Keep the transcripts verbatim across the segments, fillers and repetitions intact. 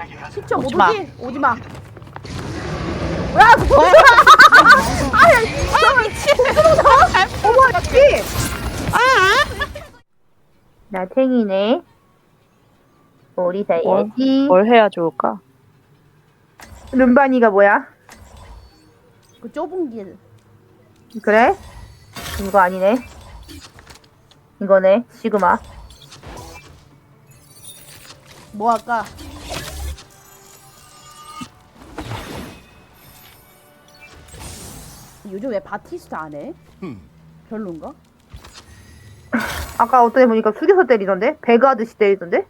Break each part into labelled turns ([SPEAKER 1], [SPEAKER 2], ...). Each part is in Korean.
[SPEAKER 1] 십 초 못
[SPEAKER 2] 오지마.
[SPEAKER 1] 오지? 오지마. 야, 그거. 아야, 아, 미친. 어머, 씨. 나 탱이네. 우리
[SPEAKER 2] 뭘,
[SPEAKER 1] 사야지.
[SPEAKER 2] 뭘 해야 좋을까?
[SPEAKER 1] 룸바니가 뭐야? 그 좁은 길. 그래? 이거 아니네. 이거네. 시그마. 뭐 할까? 요즘 왜 바티스타 안 해? 별론가? 아까 어떤 애 보니까 숙여서 때리던데? 배그 하듯이 때리던데?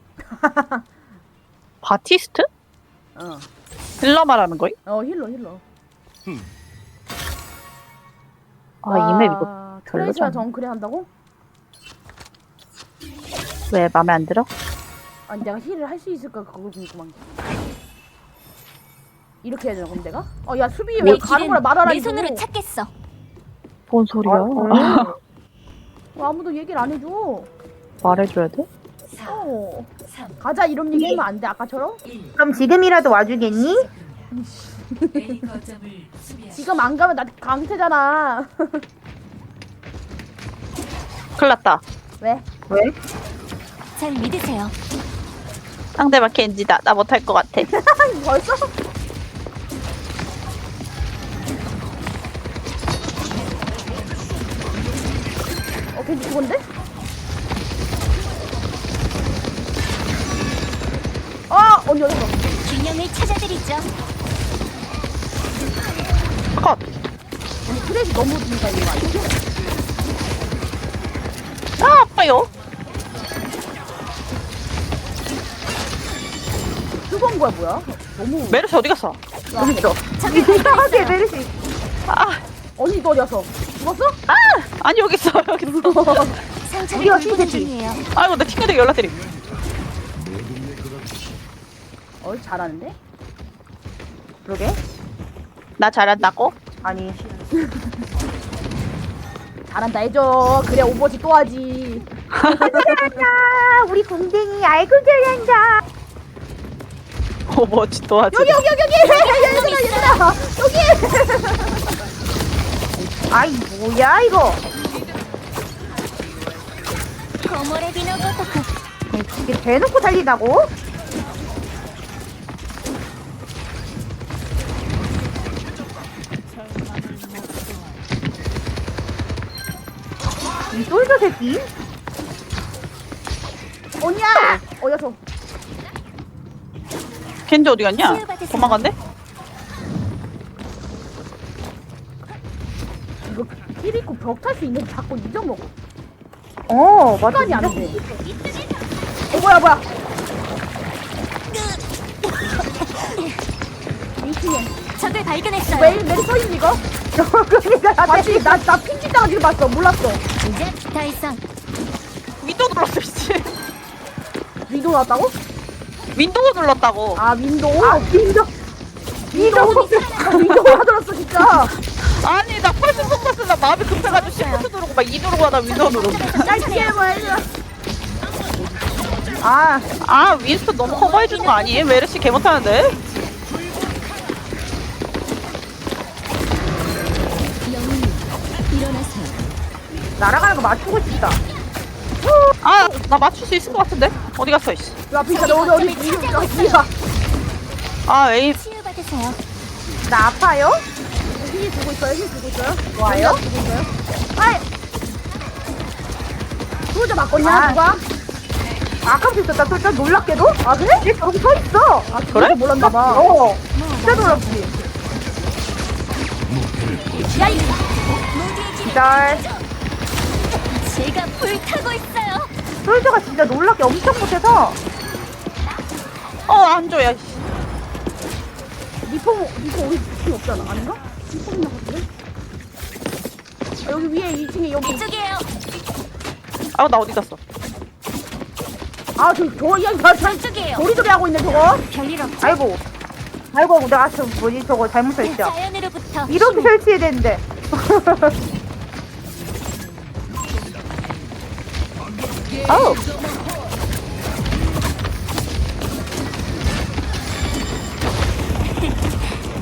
[SPEAKER 2] 바티스트?
[SPEAKER 1] 어.
[SPEAKER 2] 힐러 말하는 거임?
[SPEAKER 1] 어, 힐러, 힐러.
[SPEAKER 2] 아, 이맵 이거
[SPEAKER 1] 트레이스가
[SPEAKER 2] 별로잖아.
[SPEAKER 1] 정크레 한다고?
[SPEAKER 2] 왜 맘에 안 들어?
[SPEAKER 1] 아니, 내가 힐을 할 수 있을까? 그걸 궁금한 게. 이렇게 해야 되나, 그럼 내가? 어, 야, 수비 왜 가는 거라 말하라,
[SPEAKER 3] 내
[SPEAKER 1] 이거.
[SPEAKER 3] 손으로 찾겠어.
[SPEAKER 2] 뭔 소리야?
[SPEAKER 1] 아, 어, 아무도 얘기를 안 해줘.
[SPEAKER 2] 말해줘야 돼?
[SPEAKER 1] 어. 가자, 이런 얘기 하면 안 돼, 아까처럼? 그럼 지금이라도 와주겠니? 지금 안 가면 나 강태잖아.
[SPEAKER 2] 큰일 났다.
[SPEAKER 1] 왜? 왜?
[SPEAKER 3] 잘 믿으세요.
[SPEAKER 2] 상대방 겐지다. 나 못할 것 같아.
[SPEAKER 1] 벌써? 어, 겐지 죽었는데? 아, 언니 어디 갔어?
[SPEAKER 3] 균형을 찾아드리죠.
[SPEAKER 2] 컷!
[SPEAKER 1] 언니 트레이스 너무 진짜 이거 아니야?
[SPEAKER 2] 아, 아파요.
[SPEAKER 1] 뜨거운 거야 뭐야? 너무
[SPEAKER 2] 메르시 어디 갔어?
[SPEAKER 1] 여기 있어.
[SPEAKER 3] 저기
[SPEAKER 1] 이상하게 메르시.
[SPEAKER 2] 아,
[SPEAKER 1] 언니 너 어디 갔어? 죽었어?
[SPEAKER 2] 아! 아니, 여기 있어, 여기 있어.
[SPEAKER 3] 상처를
[SPEAKER 1] 우리가
[SPEAKER 3] 돌보는
[SPEAKER 1] 신세지.
[SPEAKER 3] 중이에요.
[SPEAKER 2] 아이고, 내 친구들 연락드림.
[SPEAKER 1] 어 잘하는데? 그러게?
[SPEAKER 2] 나 잘한다고?
[SPEAKER 1] 아니 잘한다 해줘. 그래 오버워치 또 하지. 잘한다. 우리 공댕이 아이고 잘한다.
[SPEAKER 2] 오버워치 또 하지.
[SPEAKER 1] 여기 여기 여기 여기 얘들아 얘들아 여기. 아이 뭐야 이거?
[SPEAKER 3] 고모레비노 고토쿠.
[SPEAKER 1] 이게 대놓고 달린다고? 이 솔저 새끼? 언니야! 어디 갔어?
[SPEAKER 2] 겐지 어디 갔냐?
[SPEAKER 3] 치유받으세요.
[SPEAKER 2] 도망갔네?
[SPEAKER 1] 이거 힐 있고 벽 탈 수 있는데 자꾸 잊어먹어. 어, 맞아. 습관이 안 돼. 어, 뭐야, 뭐야. 민키네.
[SPEAKER 3] 적을 발견했어요.
[SPEAKER 1] 매일, 매일 서 있는 이거? 그러니까, 맞지? 나, 나 핑키 당하지도 봤어. 몰랐어.
[SPEAKER 3] 이제 더 이상
[SPEAKER 2] 윈도우 눌렀어, 씨.
[SPEAKER 1] 윈도우 나왔다고?
[SPEAKER 2] 윈도우 눌렀다고.
[SPEAKER 1] 아, 윈도우? 아, 윈도우. 윈도우. 아, 윈도우 하더랐어, 진짜.
[SPEAKER 2] 아니, 나 펄스 포커스 나 마음이 급해가지고 시프트 누르고 막 이 누르고 하다 윈도우 누르고.
[SPEAKER 1] 짧게 해봐, 아,
[SPEAKER 2] 아, 윈스턴 너무 커버해주는 거 아니에요? 메르시 개 못하는데?
[SPEAKER 3] 영웅님 일어나세요.
[SPEAKER 1] 날아가는 거 맞추고 싶다.
[SPEAKER 2] 아, 나 맞출 수 있을 것 같은데? 어디 갔어, 이씨.
[SPEAKER 1] 야, 핑카, 너 어디, 어디, 어디, 어디야?
[SPEAKER 2] 아, 에이.
[SPEAKER 3] 치유받으세요.
[SPEAKER 1] 나 아파요? 힐 주고 있어요? 힐 주고 있어요? 뭐예요? 주고 있어요? 아이! 소자 맞거냐,
[SPEAKER 2] 아.
[SPEAKER 1] 누가? 아까부터 있었다, 소자 놀랍게도? 아, 그래? 얘 저기 서 있어! 아,
[SPEAKER 2] 그래?
[SPEAKER 1] 몰랐나봐. 어, 진짜 놀랍지?
[SPEAKER 3] 야, 이 모두의 길을
[SPEAKER 1] 기다려.
[SPEAKER 3] 제가 불타고 있어요.
[SPEAKER 1] 소자가 진짜 놀랍게 엄청 못해서
[SPEAKER 2] 어, 안 줘, 야, 씨.
[SPEAKER 1] 리포, 리포 우리 필요 없잖아, 아닌가? 리포 있나 같은데? 아, 여기 위에 이 층에 여기.
[SPEAKER 3] 이쪽이에요.
[SPEAKER 2] 아, 나 어디 갔어?
[SPEAKER 1] 아, 저, 저, 야, 저, 저,
[SPEAKER 3] 이쪽이에요.
[SPEAKER 1] 도리도리 하고 있네, 저거.
[SPEAKER 3] 별일 없죠.
[SPEAKER 1] 아이고. 아이고, 내가 저, 뭐지, 저거 잘못 설치야.
[SPEAKER 3] 자연으로부터
[SPEAKER 1] 이렇게
[SPEAKER 3] 힘을.
[SPEAKER 1] 설치해야 되는데.
[SPEAKER 2] 아우.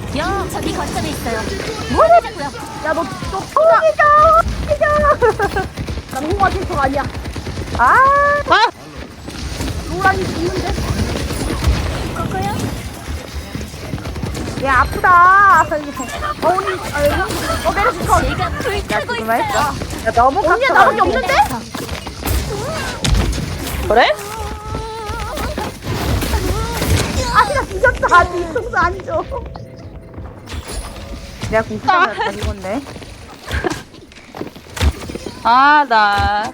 [SPEAKER 3] 여 저기 거점에 있어요. 뭐하자고요?
[SPEAKER 1] 야, 너, 너, 홍이죠! 난 홍화 캐릭터가 아니야.
[SPEAKER 4] 아,
[SPEAKER 2] 아!
[SPEAKER 1] 노란이 죽는데?
[SPEAKER 3] 거거요?
[SPEAKER 4] 얘 아프다.
[SPEAKER 1] 어, 언니, 아, 어, 메르시 컷.
[SPEAKER 3] 제가 불타고
[SPEAKER 4] 그만 했어.
[SPEAKER 3] 있어요.
[SPEAKER 4] 야, 너무
[SPEAKER 1] 언니야,
[SPEAKER 4] 깎아.
[SPEAKER 1] 나밖에 없는데?
[SPEAKER 2] 그래?
[SPEAKER 1] 아, 나 뒤졌다. 뒤통수 안 줘.
[SPEAKER 4] 내가 공수하면 다 익었네.
[SPEAKER 2] 아, 나.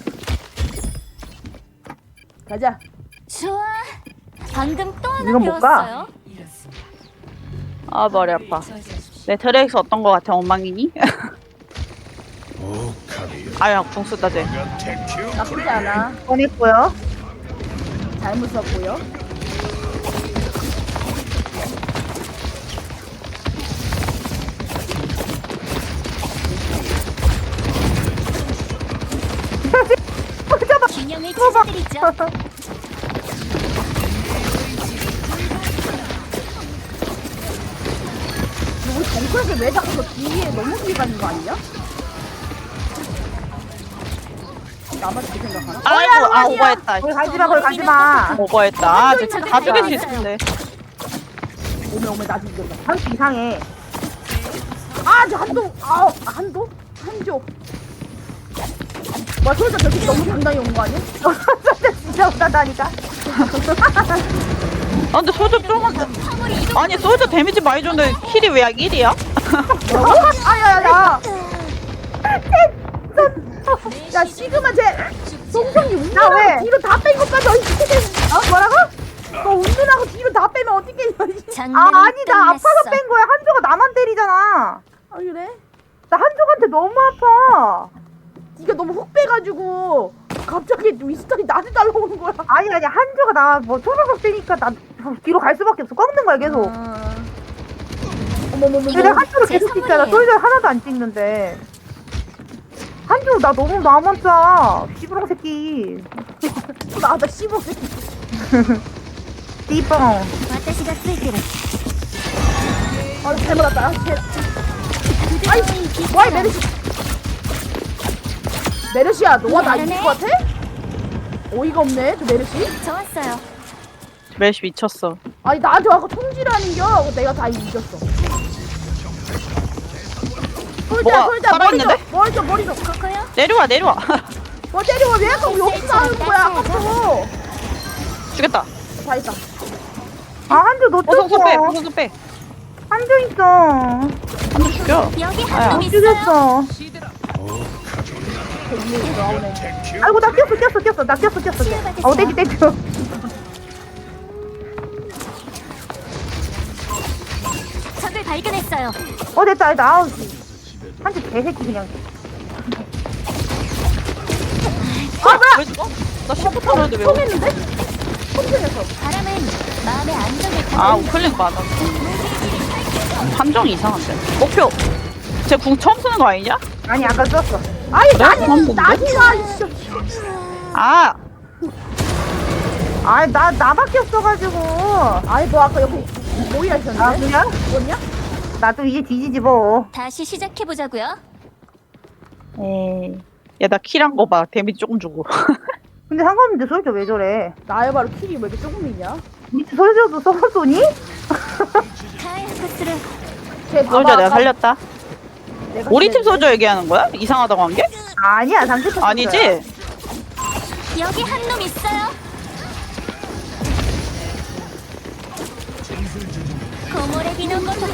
[SPEAKER 1] 가자.
[SPEAKER 3] 좋아. 방금 또 하나
[SPEAKER 4] 이건 못 가.
[SPEAKER 3] 배웠어요.
[SPEAKER 2] 아, 머리 아파. 내 드레이스 어떤 거 같아, 엉망이니? 아야, 궁 쓰다, 쟤.
[SPEAKER 1] 나쁘지 않아.
[SPEAKER 4] 꺼냈고요.
[SPEAKER 1] 잘못 썼고요.
[SPEAKER 3] 균형을 찾아드리죠.
[SPEAKER 1] 우리 정크에서 왜 자꾸 저 뒤에 너무 뒤에 가는 거 아니야? 나만 그렇게 생각하나?
[SPEAKER 2] 아이고, 아, 오버했다.
[SPEAKER 4] 거기 가지마, 거기 가지마.
[SPEAKER 2] 오버했다. 아, 쟤 다 죽일 수 있었는데.
[SPEAKER 1] 오메 오메 나 죽였다.
[SPEAKER 4] 한수 이상해.
[SPEAKER 1] 아, 저 한도, 아, 한도? 한조. 와, 소리가 저렇게 너무 당당히 온 거 아니야?
[SPEAKER 4] 진짜 못한다니까.
[SPEAKER 2] 아, 근데 소주 좀. 아니, 소주 데미지 많이 줬는데 킬이 왜 일이야?
[SPEAKER 1] 아, 야, 야, 야. 야, 시그마 쟤, 송송이
[SPEAKER 4] 나
[SPEAKER 1] 운전하고
[SPEAKER 4] 왜?
[SPEAKER 1] 뒤로 다 뺀 것까지 어떻게 어? 뭐라고? 너 운전하고 뒤로 다 빼면 어떻게 해?
[SPEAKER 4] 아,
[SPEAKER 3] 장난이
[SPEAKER 4] 아니, 나
[SPEAKER 3] 끝났어.
[SPEAKER 4] 아파서 뺀 거야. 한조가 나만 때리잖아.
[SPEAKER 1] 아, 그래?
[SPEAKER 4] 나 한조한테 너무 아파.
[SPEAKER 1] 네가 너무 훅 빼가지고 갑자기 윈스턴이 나한테 날라오는 거야.
[SPEAKER 4] 아니, 아니, 한조가 나뭐 초록색 때니까 나 뒤로 갈 수밖에 없어. 꺾는 거야, 계속.
[SPEAKER 1] 아. 어머머머.
[SPEAKER 4] 근데 한조를
[SPEAKER 3] 제
[SPEAKER 4] 계속 찍잖아.
[SPEAKER 3] 선물이에요.
[SPEAKER 4] 솔저 하나도 안 찍는데. 한조 나 너무 나만 짜. 씨부렁 새끼.
[SPEAKER 1] 나, 나 씹어.
[SPEAKER 4] 띠뻥.
[SPEAKER 3] 私がついてる
[SPEAKER 1] 아, 잘못 왔다. 아, 쟤.
[SPEAKER 3] 아이
[SPEAKER 1] 와이, 메르시. 메르시야, 너와 나 이길 것 같아? 어이가 없네, 저 메르시.
[SPEAKER 3] 좋았어요.
[SPEAKER 2] 멜시 미쳤어.
[SPEAKER 1] 아니, 나한테 와서 통지라는겨. 내가 다 이겼어. 솔자,
[SPEAKER 2] 뭐가
[SPEAKER 1] 솔자, 머리 좀,
[SPEAKER 2] 살아있는데?
[SPEAKER 1] 머리 좀, 머리 좀.
[SPEAKER 3] 거거요?
[SPEAKER 2] 내려와, 내려와.
[SPEAKER 1] 뭐 때리고 왜 자꾸 여기서 하는 거야, 아까부터.
[SPEAKER 2] 죽였다.
[SPEAKER 1] 다 했다.
[SPEAKER 4] 아, 한조 너
[SPEAKER 2] 어성소 빼,
[SPEAKER 4] 쫓어.
[SPEAKER 2] 어성소 빼.
[SPEAKER 4] 한조 있어.
[SPEAKER 2] 한번 죽여.
[SPEAKER 3] 여기
[SPEAKER 2] 아야.
[SPEAKER 3] 한 놈 있어요.
[SPEAKER 4] 죽였어.
[SPEAKER 1] 저 위에 나오네.
[SPEAKER 4] 아이고, 나 뛰었어, 뛰었어, 뛰었어. 나 뛰었어, 뛰었어.
[SPEAKER 3] 치유받으세요.
[SPEAKER 4] 어, 땡큐, 땡큐.
[SPEAKER 3] 적을 발견했어요.
[SPEAKER 4] 어, 됐다, 됐다. 아우, 한조 개새끼 그냥.
[SPEAKER 2] 아, 왜 죽어? 나 시프 타는데 왜? 오고?
[SPEAKER 1] 통했는데? 통했어.
[SPEAKER 3] 바람은 마음의 안정을
[SPEAKER 2] 아,
[SPEAKER 3] 가져.
[SPEAKER 2] 우클릭 많아. 함정이 이상한데. 목표. 쟤 궁 처음 쓰는 거 아니냐?
[SPEAKER 4] 아니, 아까 썼어.
[SPEAKER 1] 아니,
[SPEAKER 2] 그래?
[SPEAKER 1] 나지,
[SPEAKER 2] 처음
[SPEAKER 1] 나지마, 이씨.
[SPEAKER 2] 아,
[SPEAKER 4] 아니, 나, 나밖에 없어가지고.
[SPEAKER 1] 아니, 너 아까 여기 모이라
[SPEAKER 4] 아,
[SPEAKER 1] 했었는데?
[SPEAKER 4] 그냥?
[SPEAKER 1] 뭐냐?
[SPEAKER 4] 나도 이제 뒤지지 뭐.
[SPEAKER 3] 다시 시작해 보자고요.
[SPEAKER 2] 에이. 야, 나 킬한 거 봐. 데미지 조금 주고.
[SPEAKER 4] 근데 상관없는데 솔저 왜 저래?
[SPEAKER 1] 나의 바로 킬이 왜 이렇게 조금 있냐?
[SPEAKER 4] 밑에 솔저도 써봤더니?
[SPEAKER 3] 카이 코스를
[SPEAKER 1] 쟤 봐봐,
[SPEAKER 2] 소저 내가
[SPEAKER 1] 아까
[SPEAKER 2] 살렸다.
[SPEAKER 1] 내가
[SPEAKER 2] 우리 팀
[SPEAKER 1] 쟤-
[SPEAKER 2] 소저 얘기하는 거야? 이상하다고 한 게?
[SPEAKER 4] 아니야, 상대 쳤어.
[SPEAKER 2] 아니지?
[SPEAKER 3] 여기 한 놈 있어요. 고모레 비는 것도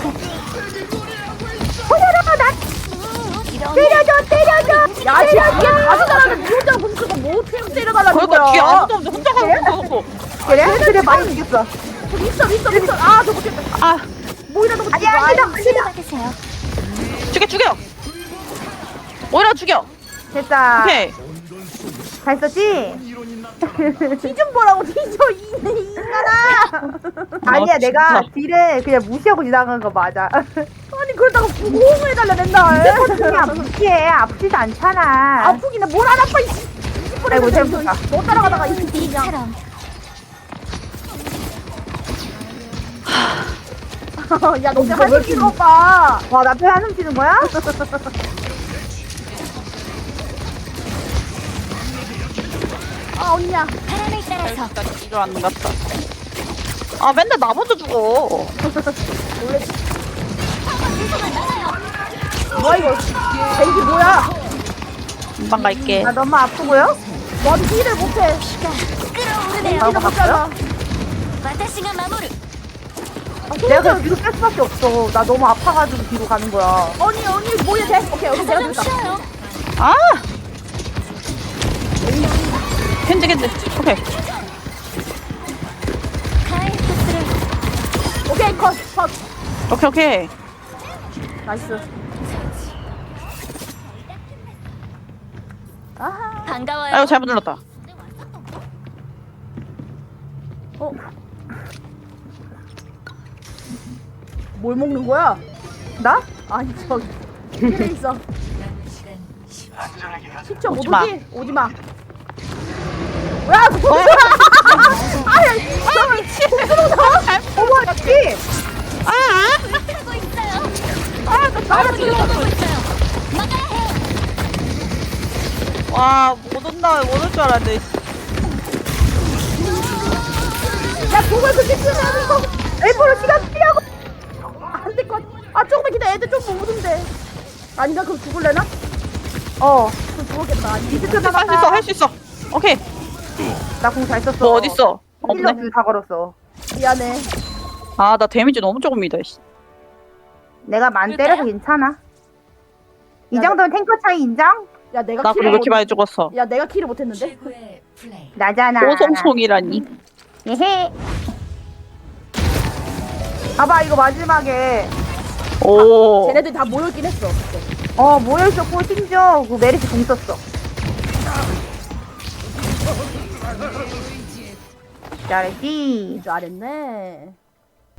[SPEAKER 4] 호야라, 나
[SPEAKER 3] 이런
[SPEAKER 4] 때려줘, 때려줘!
[SPEAKER 1] 야, 쟤 뒤에 가져가라는 니 혼자 뭉쳐서 뭐 어떻게 때려달라는
[SPEAKER 2] 그러니까
[SPEAKER 1] 거야?
[SPEAKER 2] 뒤에 아무도 없는데 혼자 가고 있어.
[SPEAKER 4] 그래? 그래, 많이 이겼어.
[SPEAKER 1] 저기 있어, 있어, 있어. 아, 저 못했다.
[SPEAKER 2] 아,
[SPEAKER 1] 모이라 너 못했다.
[SPEAKER 4] 아니야, 아니다, 아니다.
[SPEAKER 3] 치유받으세요.
[SPEAKER 2] 죽여, 죽여! 오히려 죽여!
[SPEAKER 4] 됐다.
[SPEAKER 2] 오케이.
[SPEAKER 4] 잘 썼지?
[SPEAKER 1] 뒤좀 보라고, 뒤져, 이, 이 인간아.
[SPEAKER 4] 아니야,
[SPEAKER 2] 아,
[SPEAKER 4] 내가
[SPEAKER 2] 진짜.
[SPEAKER 4] 딜을 그냥 무시하고 지나간 거 맞아.
[SPEAKER 1] 아니, 그러다가 호응을 해달라, 맨날.
[SPEAKER 4] 그냥 무시해. 아프지도 않잖아.
[SPEAKER 1] 아프긴 해. 뭘 안 아파, 이씨.
[SPEAKER 4] 아이고, 잘못했다.
[SPEAKER 1] 너 따라가다가 이 새끼 그냥.
[SPEAKER 3] 이처럼
[SPEAKER 1] 야, 너
[SPEAKER 4] 왜
[SPEAKER 1] 한숨
[SPEAKER 4] 이렇게
[SPEAKER 1] 쉬는 오빠.
[SPEAKER 4] 와, 나 배 한숨 쉬는 거야?
[SPEAKER 1] 아, 언니야.
[SPEAKER 3] 바람을 따라서
[SPEAKER 2] 일단 이걸 안 갔다. 아 맨날 나 먼저 죽어.
[SPEAKER 1] 뭐야, 이거. 벤지 뭐야?
[SPEAKER 2] 금방 갈게.
[SPEAKER 4] 나 너무 아프고요?
[SPEAKER 1] 너는 힐을 못해.
[SPEAKER 3] 끌어오르네요.
[SPEAKER 4] 바로
[SPEAKER 1] 힐을
[SPEAKER 4] 갔어요?
[SPEAKER 1] 못하잖아.
[SPEAKER 3] 私が守る
[SPEAKER 4] 내가 그냥 뒤로 뺄 수밖에 없어. 나 너무 아파가지고 뒤로 가는 거야.
[SPEAKER 1] 언니, 언니, 뭐야, 돼? 오케이, 오케이,
[SPEAKER 3] 가서
[SPEAKER 1] 내가
[SPEAKER 3] 좀
[SPEAKER 1] 됐다.
[SPEAKER 3] 쉬어요.
[SPEAKER 2] 아. 겐지 겐지. 오케이.
[SPEAKER 3] 가을코스를
[SPEAKER 1] 오케이, 컷, 컷.
[SPEAKER 2] 오케이 오케이.
[SPEAKER 1] 나이스. 아하.
[SPEAKER 3] 반가워요.
[SPEAKER 2] 아이고 잘못 눌렀다.
[SPEAKER 1] 어? 뭘 먹는 거야?
[SPEAKER 4] 나?
[SPEAKER 1] 아니, 저기. 힐에 있어. 십 초 못
[SPEAKER 2] 오지 마.
[SPEAKER 1] 오지? 오지 마. 야, 그거.
[SPEAKER 2] 어?
[SPEAKER 1] 아야, 아, 미친.
[SPEAKER 4] 어머, 씨!
[SPEAKER 2] 아.
[SPEAKER 3] 하고 있어요.
[SPEAKER 1] 아, 나 나를 지금.
[SPEAKER 3] 하고 있어요. 막아야 해요.
[SPEAKER 2] 와못 온다 못 올 줄 알았는데.
[SPEAKER 1] 야, 그걸 그렇게 쓰면 이거.
[SPEAKER 4] 일부러 시간 쓰려고!
[SPEAKER 1] 안 될 것 같아. 아, 조금만 기다려. 애들 좀 먹는데. 아닌가? 그럼 죽을래나?
[SPEAKER 4] 어.
[SPEAKER 1] 그럼 죽었겠다. 아니,
[SPEAKER 4] 비스트
[SPEAKER 2] 할 수 있어
[SPEAKER 4] 나갔다.
[SPEAKER 2] 할 수 있어. 오케이.
[SPEAKER 4] 나 공 잘 썼어.
[SPEAKER 2] 너 어딨어?
[SPEAKER 4] 힐러
[SPEAKER 2] 없네.
[SPEAKER 4] 다 걸었어.
[SPEAKER 1] 미안해.
[SPEAKER 2] 아 나 데미지 너무 조금이다. 씨.
[SPEAKER 4] 내가 만
[SPEAKER 3] 그럴까요?
[SPEAKER 4] 때려도 괜찮아. 이
[SPEAKER 1] 야,
[SPEAKER 4] 정도면 탱커 차이 인정?
[SPEAKER 1] 야, 내가
[SPEAKER 2] 나
[SPEAKER 1] 키를
[SPEAKER 2] 그리고 왜 이렇게
[SPEAKER 1] 못.
[SPEAKER 2] 많이 죽었어?
[SPEAKER 1] 야, 내가 키를 못했는데.
[SPEAKER 4] 나잖아.
[SPEAKER 2] 오송송이라니.
[SPEAKER 4] 예헤. 봐봐, 이거 마지막에.
[SPEAKER 2] 오.
[SPEAKER 1] 쟤네들이 다 모여있긴 했어. 그때.
[SPEAKER 4] 어, 모여있었고, 심지어 그 메리트 공 썼어. 잘했지.
[SPEAKER 1] 잘했네.